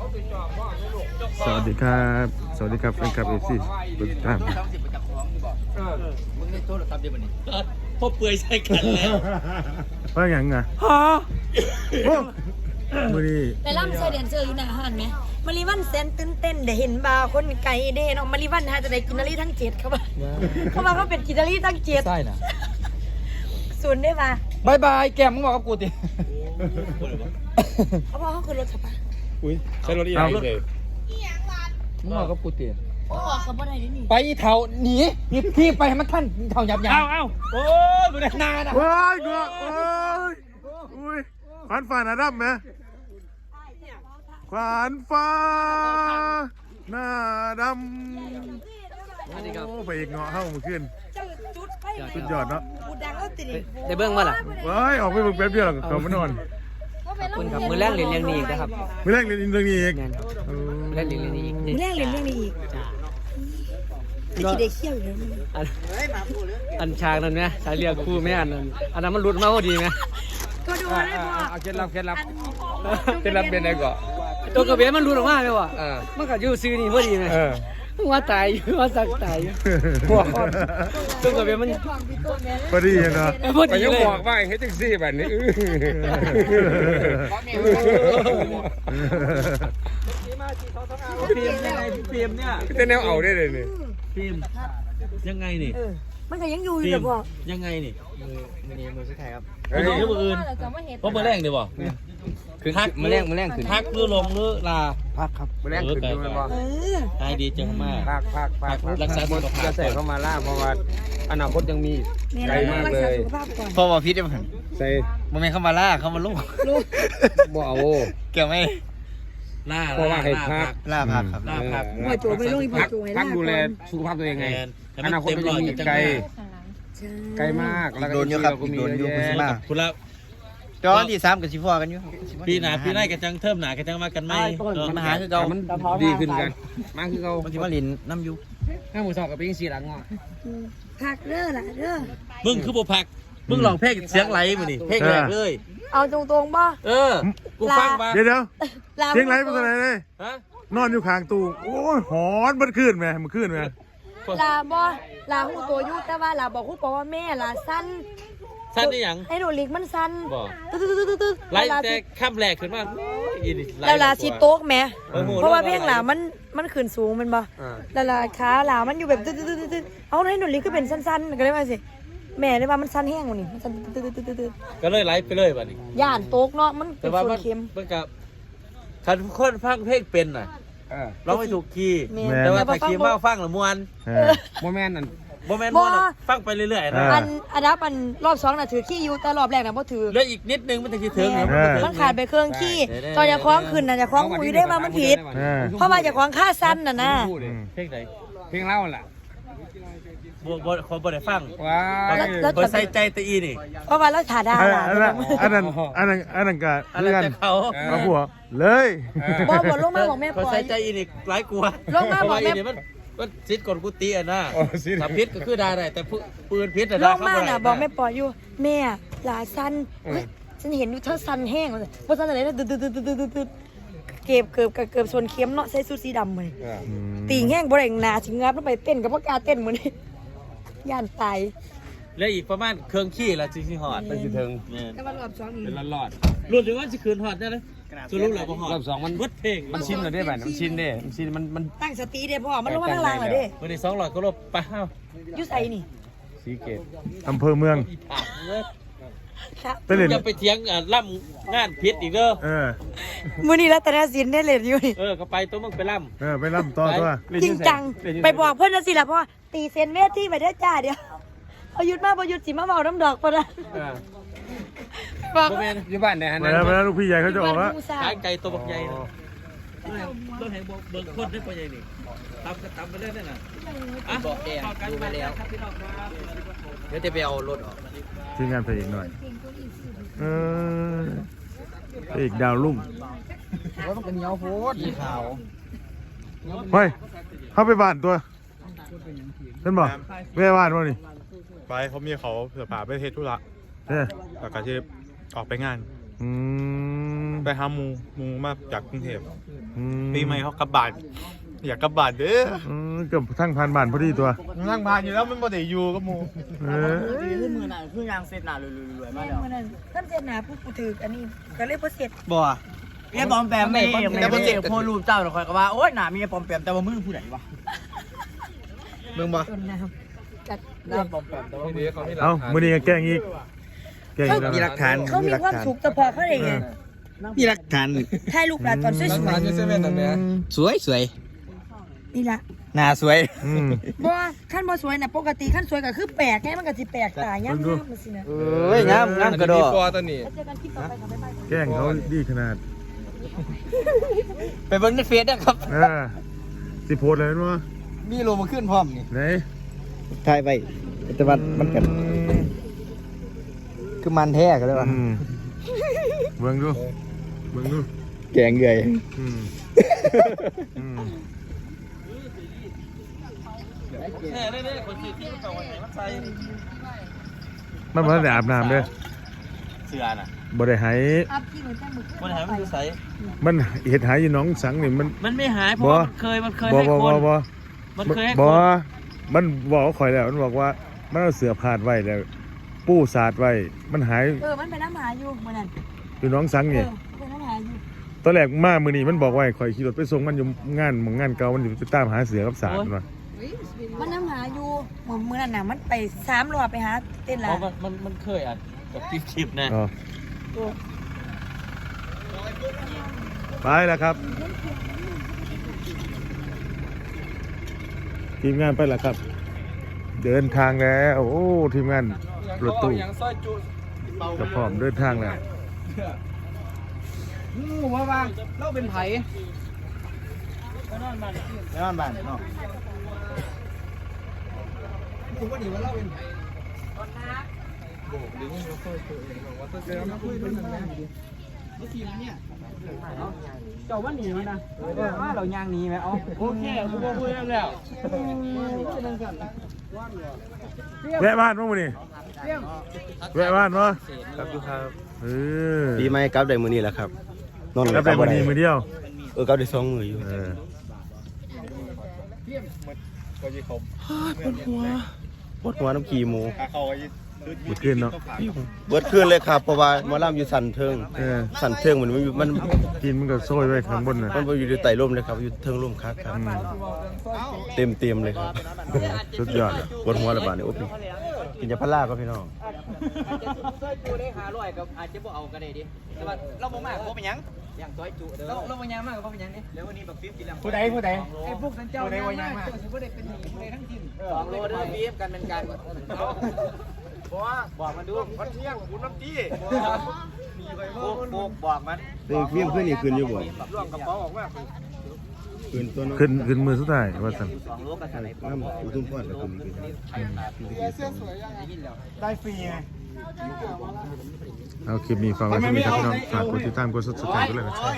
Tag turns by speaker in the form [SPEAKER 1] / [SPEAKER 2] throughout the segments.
[SPEAKER 1] สวัสดีครับสวัสดีครับแฟนคลับเอฟซีทุกท่าน
[SPEAKER 2] มึงได้โทษทำเดี๋ยวนี้พ่อเปื่อยใส่กันแล้ว
[SPEAKER 1] ว่าอย่างไงฮะโอ้มือนี้
[SPEAKER 3] ไปล่ำเสด็จเจออยู่หน้าห้านไหมมาริวันเซนตื่นเต้นได้เห็นบาร์คนไก่เด้เนาะมาริวันฮะจะได้กินนารีทั้งเจ็ดเขาบอกเขาเป็นกินนารีทั้งเจ็ด
[SPEAKER 2] ใช่นะ
[SPEAKER 3] ศูนย์ได้ปะ
[SPEAKER 2] บายบายแกมึงบอกกับกูดิ
[SPEAKER 3] เขาบอกเขาคือรถขับปะ
[SPEAKER 1] อุ้ยใช้รถอีกเลย
[SPEAKER 2] มึงบอกกับกูดิ
[SPEAKER 3] โอ้เขาบ่ได้ดินี่
[SPEAKER 2] ไปเท่าหนีพี่ไปให้มันท่านเท่าหยับยับโอ้ยมึงได้นานะ
[SPEAKER 1] โอ้ยกูโอ้ยอุ้ยขวานฟ้าหน้าดำไหมขวานฟ้าหน้าดำโอ้ไปอีกเงาะเข้ามาขึ้นสุดยอดเนาะ
[SPEAKER 2] ได้เบิ้งมาล่ะ
[SPEAKER 1] ว้ายออกไปเบิ่งแป๊บเดียวเขามานอน
[SPEAKER 2] คุณครับมือแรกเรียนเรื่องนี้อีกนะครับ
[SPEAKER 1] มือแรกเรียนเรื่องนี้อีก
[SPEAKER 2] แรกเรียนเรื่องนี้อีก
[SPEAKER 3] มือแรกเรียนเรื่องนี้อีกเด็กเขี้ยวอยู่
[SPEAKER 2] อันฉากนั้นไหมฉากเรียกครูไม่อันนั้นมันหลุดมาพอดีไหม
[SPEAKER 3] ก็ดูได้พอ
[SPEAKER 2] เคล็ดลับเป็นอะไรก่อนตัวกระเบนมันหลุดออกมาเลยว่ะมันก็อยู่ซื้อนี่พอดีไหมว่าตายอยู่ว่าสักตายอยู่หัวอ่อนตัวกระเบนมัน
[SPEAKER 1] พอดีเนาะ
[SPEAKER 2] พอดีเลย
[SPEAKER 4] บอกว่าเฮ็ดจังซี่แบบนี้
[SPEAKER 2] พิมยังไงพิมเนี่ย
[SPEAKER 4] แต่แนวเอาได้เลยนี่
[SPEAKER 2] พิมยังไงนี่
[SPEAKER 3] มันก็ยังอยู่อยู่แต่พอ
[SPEAKER 2] ยังไงนี่มือสุดท้ายครับ
[SPEAKER 4] มือ
[SPEAKER 2] อื่นเพราะมือแรงดีบ่คือพักมือแรงคือพักหรือลงหรือลา
[SPEAKER 4] พักครับมือแรงขึ้นดูมันบ่
[SPEAKER 2] หายดีจังมาก
[SPEAKER 4] พักรักษาสุขภาพจะใส่เข้ามาล่าเพราะว่าอนาคตยังมีไกลมากเลย
[SPEAKER 2] เพราะว่าพิษได้มั้ง
[SPEAKER 4] ใส่
[SPEAKER 2] บ่แม่นเข้ามาล่าเข้ามาลูก
[SPEAKER 4] บ่เอา
[SPEAKER 2] เกี่ยวไหมล่า
[SPEAKER 4] เพราะว่าให้พัก
[SPEAKER 2] ล่าพักครับ
[SPEAKER 3] ล่าพักหัวโจไม่ลงอีกหัวโจให้ล่า
[SPEAKER 4] ดูแลสุขภาพตัวเองไงอนาคตยังมีไกลมาก
[SPEAKER 2] แล้วก็โดนเยอะครับโดนเยอะมากคุณละจอนที่3กับ14กันอยู่ปีหน้าปีหน้ากันจังเทิมหน้ากันจังมากันไม่มาหาคือเก่า
[SPEAKER 4] มันดีขึ้นกันมาคือเก่า
[SPEAKER 2] มันสิมาลินน้ำอยู่
[SPEAKER 4] ถ้าหมูสอบกับเป็น4หลังอ่ะ
[SPEAKER 3] พักเด้อล่ะเด้อ
[SPEAKER 2] มึงคือบ่พักมึงลองเพลงเสียงไหลมื้อนี่เพลงแรกเลย
[SPEAKER 3] เอาตรงๆบ่
[SPEAKER 2] กูฟังมา
[SPEAKER 1] เดี๋ยวเสียงไหลเป็นอะไรเลยนอนอยู่ข้างตู้โอ้ยหอนมันขึ้นไหมมันขึ้นไหม
[SPEAKER 3] ลาบ่ลาหูตัวยุแต่ว่าลาบอกคุณบอกว่าแม่ลาสั้น
[SPEAKER 2] นี่หยัง
[SPEAKER 3] ไอ้หนูลิกมันสั้น
[SPEAKER 2] ตึ๊ดไล่แต่ข้ามแหลกขึ้นมา
[SPEAKER 3] แล้วลาสิโต๊กแม่เพราะว่าเพลงลามันขึ้นสูงมันบ่แล้วลาขาลามันอยู่แบบตึ๊ดเอาให้หนูลิกก็เป็นสั้นๆก็เลยว่าสิแม่ได้ว่ามันสั้นแห้งกว่านี้มันสั้นตึ๊ด
[SPEAKER 2] ก็เลยไล่ไปเลยบัดนี้
[SPEAKER 3] ย่านโต๊กเนาะมันเป็นส่วนเค็ม
[SPEAKER 2] มันกับคันคนฟังเพลงเป็นน่ะร้องไม่ถูกคีย์แต่ว่าถ้าคีย์มากฟังละมวน
[SPEAKER 4] โมแมนนั่น
[SPEAKER 2] โมเมนต์ฟังไปเรื่อยๆนะ
[SPEAKER 3] อันดับรอบ2น่ะถือขี้อยู่แต่รอบแรกน่ะบ่ถือ
[SPEAKER 2] แล้วอีกนิดนึงมันจะถึง
[SPEAKER 3] มันขาดไปเครื่องขี้ตอนจะคล้องขึ้นน่ะจะคล้องหูได้ว่ามันผิดเพราะว่าจะคล้องค่าสั้นน่ะนะ
[SPEAKER 2] เพลงไหน
[SPEAKER 4] เพลงเล่าล่ะ
[SPEAKER 2] คนบ่ได้ฟัง
[SPEAKER 3] แล้ว
[SPEAKER 2] คนใส่ใจตะอีนี่
[SPEAKER 3] เพราะว่าแล้วขาดา
[SPEAKER 1] อันนั้นก็
[SPEAKER 2] เรื่องเขา
[SPEAKER 1] ผัวเลย
[SPEAKER 3] บ่ลงมาบอกแม่ปล่อย
[SPEAKER 2] คนใส่ใจอีนี่หลายกลัว
[SPEAKER 3] ลงมาบอกแม่
[SPEAKER 2] มันซิดกดกุฏิอ่ะนะถ้าพิษก็คือได้แต่ปืนพิษ
[SPEAKER 3] ลงมาน่ะบอกแม่ปล่อยอยู่แม่หลาสั้นฉันเห็นอยู่เธอสั้นแห้งบ่สั้นอะไรนะตึ๊ดเก็บส่วนเข็มเนาะใส่สูทสีดำเลยตีแห้งบ่ได้หนาสิงับลงไปเต้นกับบ่กล้าเต้นมื้อนี้ย่านตาย
[SPEAKER 2] แล้วอีกประมาณเครื่องขี้ละสิฮอด
[SPEAKER 4] ไปสิถึง
[SPEAKER 3] แต่ว่ารอบ2นี่
[SPEAKER 4] เป็นรอด
[SPEAKER 2] รวมถึงว่าสิคืนฮอดได้เลยสรุปแล้วบ่ฮอด
[SPEAKER 4] รอบ2มัน
[SPEAKER 2] เบิดเพลง
[SPEAKER 4] มันชินแล้วได้บัดมันชินเด้มันชินมัน
[SPEAKER 3] ตั้งสติเด้พ่อมันลงมาข้างล่างแล้วเด้
[SPEAKER 2] มื้อนี้200ก็ลบไปเฮา
[SPEAKER 3] อยู่ไสนี่
[SPEAKER 4] สีเกต
[SPEAKER 1] อำเภอเมือง
[SPEAKER 2] จะไปเถียงล่ำงานพิษอีกเด้อ
[SPEAKER 3] มื้อนี้รัตนศิลป์ได้เล่นอยู่นี่
[SPEAKER 2] ก็ไปตัวมึงไปล่
[SPEAKER 1] ำไปล่ำต่อตัว
[SPEAKER 3] จริงจังไปบอกเพิ่นจังซี่ล่ะพ่อตีเซนเวทีไปเด้อจ้าเดี๋ยวเอาหยุดมาบ่หยุดสิมาเว้าน้ำดอกปะนะ
[SPEAKER 4] บ่แม่นอยู่บ้านไหนฮะนั่น
[SPEAKER 1] แล้วลูกพี่ใหญ่เขาจะออกแล้ว
[SPEAKER 2] ขายไก่ตัวบักใหญ่ต้นแห่งเบิ่งคนได้ปะใหญ่นี่ตำไปเรื่อยๆน่ะ
[SPEAKER 5] บอกแกดูไปแล้วเดี๋ยวจะไปเอารถออก
[SPEAKER 1] ทีมงานเพลงหน่อยอีกดาวลุ่ม
[SPEAKER 5] ว่ามันเป็นเหนียวโพดสีขาว
[SPEAKER 1] เฮ้ยเข้าไปบ้านตัวท่านบอกไม่ได้บ้านวะนี่
[SPEAKER 4] ไปเขามีเขาเสือป่าไปเทศธุระแล้วก็จะออกไปงาน
[SPEAKER 1] ไปหาหมูมาจากกรุงเทพปีใหม่เขากลับบ้านอยากกลับบ้านเด้อเกือบทั้งผ่านบ้านพอดีตัวทั้งผ่านอยู่แล้วมันบ่ได้อยู่กับหมู
[SPEAKER 5] คือมือหน่ะคือยางเสร็จหน่ะรวยๆมาแล้ว
[SPEAKER 3] มื้อนั้นท่านเสร็จหน้าผู้ถืออันนี้ก็เลยบ่เสร็จ
[SPEAKER 5] บ่เรียบปอมแปมไม่แต่บ่เจ็บโพรูปเจ้าคอยก็ว่าโอ๊ยหน้ามีปอมแปมแต่ว่ามือผู้ใดวะเบิ่งบ่
[SPEAKER 3] ต้นน้ำจัด
[SPEAKER 5] หน้าปอมแปมแต่ว่ามือ
[SPEAKER 1] เอ้ามื้อนี้ก็แกล้งอีกแล้ว
[SPEAKER 5] มีหลักฐาน
[SPEAKER 3] เขามีความสุขแต่พอเขาได้ไง
[SPEAKER 5] มีหลักฐาน
[SPEAKER 3] ถ่ายรูปหลานตอนสวย
[SPEAKER 4] สวย
[SPEAKER 3] ๆนี่ล่ะ
[SPEAKER 5] หน้าสวย
[SPEAKER 3] บ่ขั้นบ่สวยน่ะปกติขั้นสวยก็คือแปลกไงมันก็สิแปลกตายังงามมันสินะ
[SPEAKER 5] เอ้ยงามกระโดด
[SPEAKER 4] ตัวนี้
[SPEAKER 3] แล้วเจอกันคลิปต่อไปค่ะบ๊ายบาย
[SPEAKER 1] แกล้งเขาดีขนาด
[SPEAKER 5] ไปเบิ่งในเฟซนะครับ
[SPEAKER 1] สิโพสเลยมั้ย
[SPEAKER 5] มีโลมาขึ้นพร้อมนี่
[SPEAKER 1] ไหน
[SPEAKER 5] ถ่ายไปแต่ว่ามันกันคือมันแท้กันเลยว่ะ
[SPEAKER 1] เบิ่งดู
[SPEAKER 5] แกงเกย
[SPEAKER 1] มันบ่ได้อาบน้ำเด้อ
[SPEAKER 5] เสือน่ะ
[SPEAKER 1] บ่ได้หาย
[SPEAKER 3] อัพที่เหมือนแจ้งมือ
[SPEAKER 5] มันหายมันอยู่ไส
[SPEAKER 1] มันเฮ็ดหายอยู่หน้องสังนี่มัน
[SPEAKER 5] ไม่หายเพราะมันเคยให้คนมันเคยให้คน
[SPEAKER 1] มันบอกข่อยแล้วมันบอกว่ามันเอาเสือพาดไว้แล้วปู้สาดไว้มันหาย
[SPEAKER 3] มันเป็นน้ำหาอยู่มื้อนั้น
[SPEAKER 1] อยู่หน้องสังนี่
[SPEAKER 3] เป็นน้ำหาอยู่
[SPEAKER 1] ตอนแรกมามื้อนี้มันบอกว่าให้ข่อยขี่รถไปส่งมันอยู่งานเก่ามันอยู่ไปตามหาเสือกับสาดมันว่า
[SPEAKER 3] มันน้ำหาอยู่มื้อนั้นน่ะมันไป3รอบไปหาเต้นหลา
[SPEAKER 5] มันเคยอ่ะกับคลิปนะ
[SPEAKER 1] อ๋อไปแล้วครับ ทีมงานไปแล้วครับ เดินทางแล้วโอ้ทีมงานรถตู้จะพร้อมเดินทางแล้ว
[SPEAKER 5] ว่าบ้างเราเป็นไผ่ไปนอนบ้านเนาะผมว่าดีว่าเราเป็นไผ่เจ้าว่าหนีนะว่าเราย่างหนีไหมอ๋อโอเคกูบอกพูดแล้ว
[SPEAKER 1] แวะบ้านมั้งมื้อนี้แวะบ้านมั้ง
[SPEAKER 4] ครับอยู่ครับ
[SPEAKER 6] ปีใหม่กลับได้มื้อนี้แหละครับนอน
[SPEAKER 1] แล้วไปมื้อนี้มื้อเดียว
[SPEAKER 6] กลับได้2มื้ออยู่ ปวดหัวน้ำขี้หมู
[SPEAKER 1] เมื่อคืนเนาะ
[SPEAKER 6] เบิดคืนเลยครับเพราะว่าหมอลำอยู่สันเทิงสันเทิงมัน
[SPEAKER 1] กินมันก็โซยไว้ข้างบนน่ะ
[SPEAKER 6] มันอยู่ในไต่ร่มเลยครับอยู่เทิงร่มคักครับเต็มเลยครับ
[SPEAKER 1] สุดยอดอะ
[SPEAKER 6] ปวดหัวระบาดนี่โอ้พี่กินยาพาราก็พี่น้อง
[SPEAKER 5] อาจจะซอยจูได้500กับอาจจะบ่เอาก็ได้ดิแต่ว่าเราบ่มากบ่เป็นหยังอย่างซอยจูเด้อเราบ่ยังมากก็บ่เป็นหยังนี่แล้ววันนี้บักฟิปกินแล้วผู้ใดไอ้พวกสันเจ้าผู้ใดว่ายังมากสิบ่ได้เป็นหนี้ผู้ใดทั้งทีม2โลเด้อฟิปกันเป็นการบอกมันดูมันเที่ยงคุณน้ำจี้บอกมัน
[SPEAKER 6] เรื่องเพี้ยงขึ้นนี่ขึ้นอยู่บ่
[SPEAKER 5] ล่วงกระเป๋าออกมา
[SPEAKER 6] ขึ้นตัวน้อง
[SPEAKER 1] ขึ้นมือสุดท้ายว่าซั่น
[SPEAKER 5] 2โลกันไหน
[SPEAKER 6] น้ำอุทุมพรก็ขึ้น
[SPEAKER 5] ได้ฟรีไง
[SPEAKER 1] เอาคลิปนี้ฝากไว้ที่นี่ครับพี่น้องฝากกดติดตามกด Subscribe ด้วยนะครับ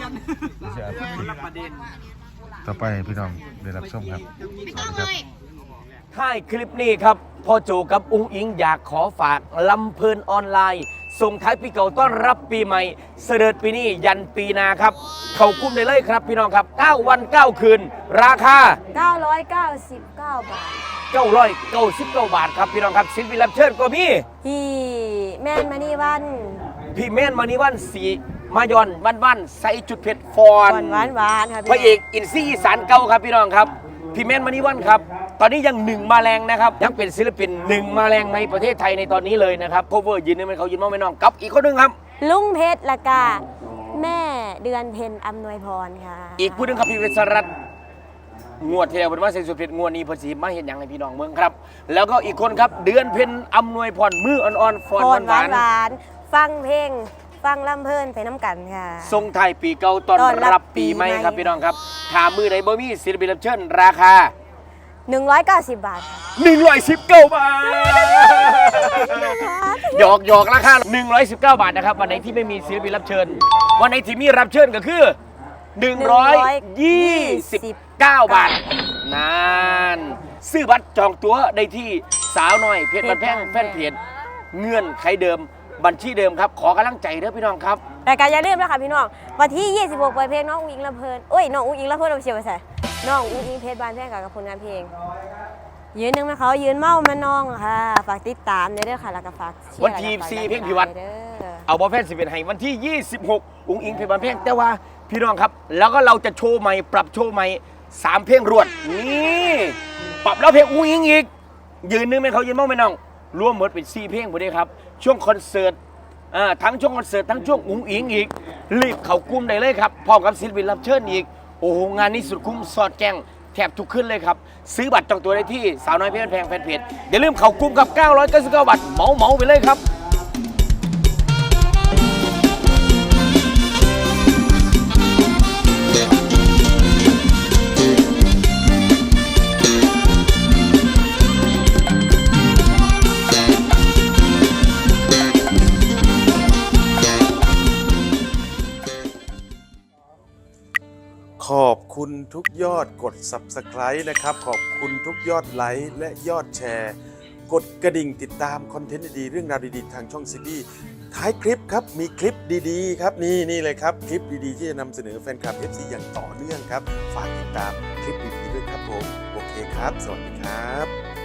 [SPEAKER 1] ต่อไปให้พี่น้องได้รับชมครับสวัสดีครับ
[SPEAKER 2] ท้ายคลิปนี้ครับพ่อโจกับอุ้งอิงอยากขอฝากลำเพลินออนไลน์ส่งท้ายปีเก่าต้อนรับปีใหม่เสด็จปีนี้ยันปีหนาครับ เขาคุ้มได้เลยครับพี่น้องครับ9วัน9คืนราคา
[SPEAKER 7] 999 บาท
[SPEAKER 2] 999 บาทครับพี่น้องครับศิลปินรับเชิญก็มี
[SPEAKER 7] พี่แม่นมานี่วัน
[SPEAKER 2] พี่แม่นมานิวันสีมายอนวันใส่จุดเผ็ดฟอน
[SPEAKER 7] หวานครับ
[SPEAKER 2] พระเอกอินซี่อีสานเก่าครับพี่น้องครับพี่แม่นมานิวันครับตอนนี้ยัง1มาแรงนะครับยังเป็นศิลปิน1มาแรงในประเทศไทยในตอนนี้เลยนะครับโคเวอร์ยืนนึงเป็นเขายืนมองไม่น้องกับอีกคนนึงครับ
[SPEAKER 7] ลุงเพชรละกาแม่เดือนเพ็ญอำนวยพรค่ะ
[SPEAKER 2] อีกผู้หนึงครับพี่เวสรัตน์งวดที่แล้วเป็นว่าเซนสุดเพชรงวดนี้เพอสีมาเห็นอย่างให้พี่น้องเมืองครับ แล้วก็อีกคนครับเดือนเพ็ญอำนวยพรมืออ่อนๆฟอน
[SPEAKER 7] พรห
[SPEAKER 2] หวาน
[SPEAKER 7] วานฟังเพลงฟังลำเพลินไปน้ำกันค่ะ
[SPEAKER 2] ๆทรงไทายปีเก่าต้อนรับปีใหม่ครับพี่น้องครับถามมือไหนบ่มีศิลปินรับเชิญราคา
[SPEAKER 7] 190 บาท
[SPEAKER 2] 119 บาทหยอกราคา119 บาทนะครับวันไหนที่ไม่มีศิลปินรับเชิญวันไหนที่มีรับเชิญก็คือ129 บาทนานซื้อบัตรจองตั๋วได้ที่สาวน้อยเพจบันแพงแฟนเพจเงื่อนไขเดิมบัญชีเดิมครับขอกำลังใจเด้อพี่น้องครับ
[SPEAKER 7] แต่การอย่าลืมนะคะพี่น้องวันที่ 26เปิดเพลงน้องอุ้งอิงลำเพลินโอ้ยน้องอุ้งอิงลำเพลินเอาเชียร์ไปใส่น้องอุ้งอิงเพชรบานแพงกับผลงานเพลงยืนหนึ่งนะเขายืนเมามันน้องค่ะฝากติดตามเด้อค่ะแล้วก็ฝากเชียร์
[SPEAKER 2] วันที่4เพลงพิวัตร
[SPEAKER 7] เด้อ
[SPEAKER 2] เอาบอลแฟน11ให้วันที่ 26 อุ้งอิงเพลงบานเพลงแต่ว่าพี่น้องครับแล้วก็เราจะโชว์ใหม่ปรับโชว์ใหม่3เพลงรวดนี่ปรับแล้วเพลงอุ้งอิงอีกยืนหนึงเป็นเขายืนเมาไม่น้องรวมหมดเป็น4เพลงหมดเลยครับช่วงคอนเสิร์ตทั้งช่วงคอนเสิร์ตทั้งช่วงอุ้งอิงอีกรีบเข้ากลุ่มได้เลยครับพร้อมกับศิลปินรับเชิญอีกโอ้โหงานนี้สุดคุ้มสอดแกงแทบทุกขึ้นเลยครับซื้อบัตรจองตัวได้ที่สาวน้อยเพชรแพงแฟนเพจอย่าลืมเข้ากลุ่มกับ999บาทเหมาไปเลยครับ
[SPEAKER 6] ขอบคุณทุกยอดกด Subscribe นะครับ ขอบคุณทุกยอดไลค์และยอดแชร์ กดกระดิ่งติดตามคอนเทนต์ดีๆเรื่องราวดีๆทางช่องซีบีท้ายคลิปครับมีคลิปดีๆครับนี่เลยครับคลิปดีๆที่จะนำเสนอแฟนคลับ FC อย่างต่อเนื่องครับฝากติดตามคลิปดีๆด้วยครับผมโอเคครับสวัสดีครับ